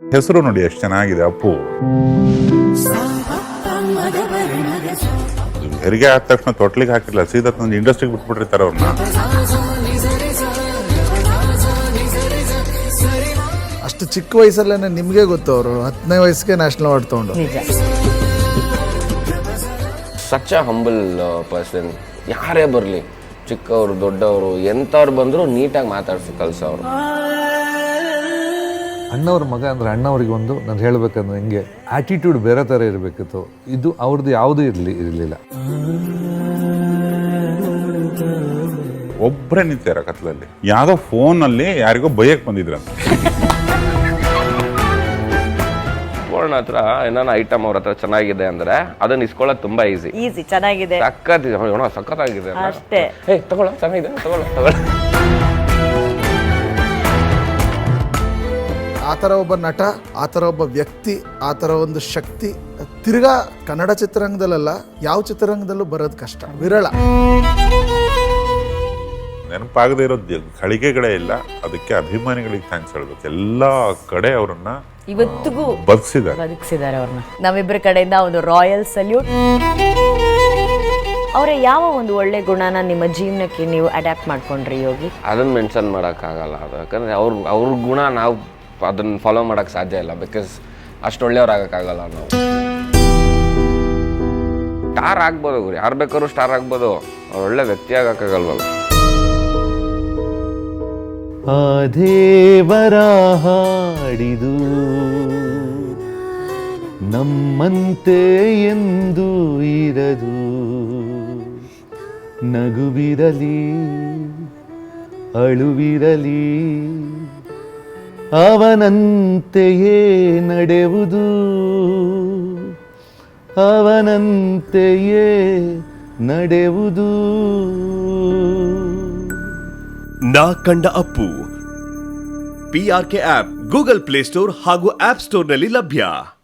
ಹೆಸರು ನೋಡಿ ಎಷ್ಟು ಚೆನ್ನಾಗಿದೆ, ಅಪ್ಪು. ಹೆರಿಗೆ ಆದ ತಕ್ಷಣ ತೊಟ್ಲಿಗೆ ಹಾಕಿಲ್ಲ, ಸೀದಾ ತಂದು ಇಂಡಸ್ಟ್ರಿಗೆ ಬಿಟ್ಬಿಟ್ಟಿರ್ತಾರೆ ಅವ್ರನ್ನ. ಅಷ್ಟು ಚಿಕ್ಕ ವಯಸ್ಸಲ್ಲೇನೆ ನಿಮಗೆ ಗೊತ್ತು, ಅವರು 10ನೇ ವಯಸ್ಸಿಗೆ ನ್ಯಾಷನಲ್ ಅವಾರ್ಡ್ ತಗೊಂಡು. Such a humble person. ಯಾರೇ ಬರಲಿ, ಚಿಕ್ಕವರು ದೊಡ್ಡವರು ಎಂಥವ್ರು ಬಂದರೂ ನೀಟಾಗಿ ಮಾತಾಡ್ಸಿ ಕಲ್ಸೋರು. ಅಣ್ಣವ್ರ ಮಗ ಅಂದರೆ ಅಣ್ಣವ್ರಿಗೆ ಒಂದು ನಾನು ಹೇಳಬೇಕಂದ್ರೆ ಹಿಂಗೆ ಆ್ಯಟಿಟ್ಯೂಡ್ ಬೇರೆ ಥರ ಇರಬೇಕಿತ್ತು. ಇದು ಅವ್ರದ್ದು ಯಾವುದೂ ಇರಲಿಲ್ಲ. ಒಬ್ಬರೇ ನಿಂತಾರ ಕತ್ಲಲ್ಲಿ, ಯಾವುದೋ ಫೋನಲ್ಲಿ ಯಾರಿಗೋ ಬೈಯಕ್ಕೆ ಬಂದಿದ್ರಂತ. ಪೂರ್ಣ ಹತ್ರ ಏನಾನ ಐಟಮ್ ಅವ್ರ ಹತ್ರ ಚೆನ್ನಾಗಿದೆ ಅಂದ್ರೆ ಅದನ್ನ ಇಸ್ಕೊಳ್ಳೋದು ತುಂಬಾ ಈಸಿ. ಚೆನ್ನಾಗಿದೆ, ಸಖತ್ತಾಗಿದೆ ಅಷ್ಟೇ. ತಗೊಳ್ಳೋ, ಚೆನ್ನಾಗಿದೆ, ತಗೊಳ್ಳೋ. ಆ ಥರ ಒಬ್ಬ ನಟ, ಆ ಥರ ಒಬ್ಬ ವ್ಯಕ್ತಿ, ಆ ಥರ ಒಂದು ಶಕ್ತಿ ತಿರ್ಗಾ ಕನ್ನಡ ಚಿತ್ರರಂಗದಲ್ಲ ಯಾವ ಚಿತ್ರರಂಗದಲ್ಲೂ ಬರೋದು ಕಷ್ಟ, ವಿರಳ. ನೆನಪಾಗದೇ ಇರೋದು ಗಳಿಗೆಗಳೇ ಇಲ್ಲ. ಅದಕ್ಕೆ ಅಭಿಮಾನಿಗಳಿಗೆ ಥ್ಯಾಂಕ್ಸ್ ಹೇಳ್ಬೇಕು. ಎಲ್ಲ ಕಡೆ ಅವರನ್ನ ಇವತ್ತಿಗೂ ಬದುಕಿಸಿದ್ದಾರೆ ಅವ್ರನ್ನ. ನಮ್ಮಿಬ್ಬರ ಕಡೆಯಿಂದ ಒಂದು ರಾಯಲ್ ಸಲ್ಯೂಟ್. ಅವರ ಯಾವ ಒಂದು ಒಳ್ಳೆ ಗುಣನ ನಿಮ್ಮ ಜೀವನಕ್ಕೆ ನೀವು ಅಡ್ಯಾಪ್ಟ್ ಮಾಡ್ಕೊಂಡ್ರಿ ಯೋಗಿ? ಅದನ್ನ ಮೆನ್ಷನ್ ಮಾಡೋಕ್ಕಾಗಲ್ಲ. ಅದು ಯಾಕಂದ್ರೆ ಅವ್ರ ಗುಣ ನಾವು ಅದನ್ನ ಫಾಲೋ ಮಾಡೋಕ್ಕೆ ಸಾಧ್ಯ ಇಲ್ಲ. ಬಿಕಾಸ್ ಅಷ್ಟು ಒಳ್ಳೆಯವ್ರು ಆಗೋಕ್ಕಾಗಲ್ಲ ನಾವು. ಸ್ಟಾರ್ ಆಗ್ಬೋದು, ಯಾರು ಬೇಕಾದ್ರೂ ಸ್ಟಾರ್ ಆಗ್ಬೋದು, ಅವ್ರು ಒಳ್ಳೆ ವ್ಯಕ್ತಿ ಆಗೋಕ್ಕಾಗಲ್ವಲ್ಲ. ಆ ದೇವರ ಹಾಡಿದು ನಮ್ಮಂತೆ ಎಂದು ಇರದು, ನಗುವಿರಲಿ ಅಳುವಿರಲಿ ಅವನಂತೆಯೇ ನಡೆಯುವುದು, ಅವನಂತೆಯೇ ನಡೆಯುವುದು. ನಾ ಕಂಡ Appu PRK app Google play store ಹಾಗೂ ಆಪ್ ಸ್ಟೋರ್ನಲ್ಲಿ ಲಭ್ಯ.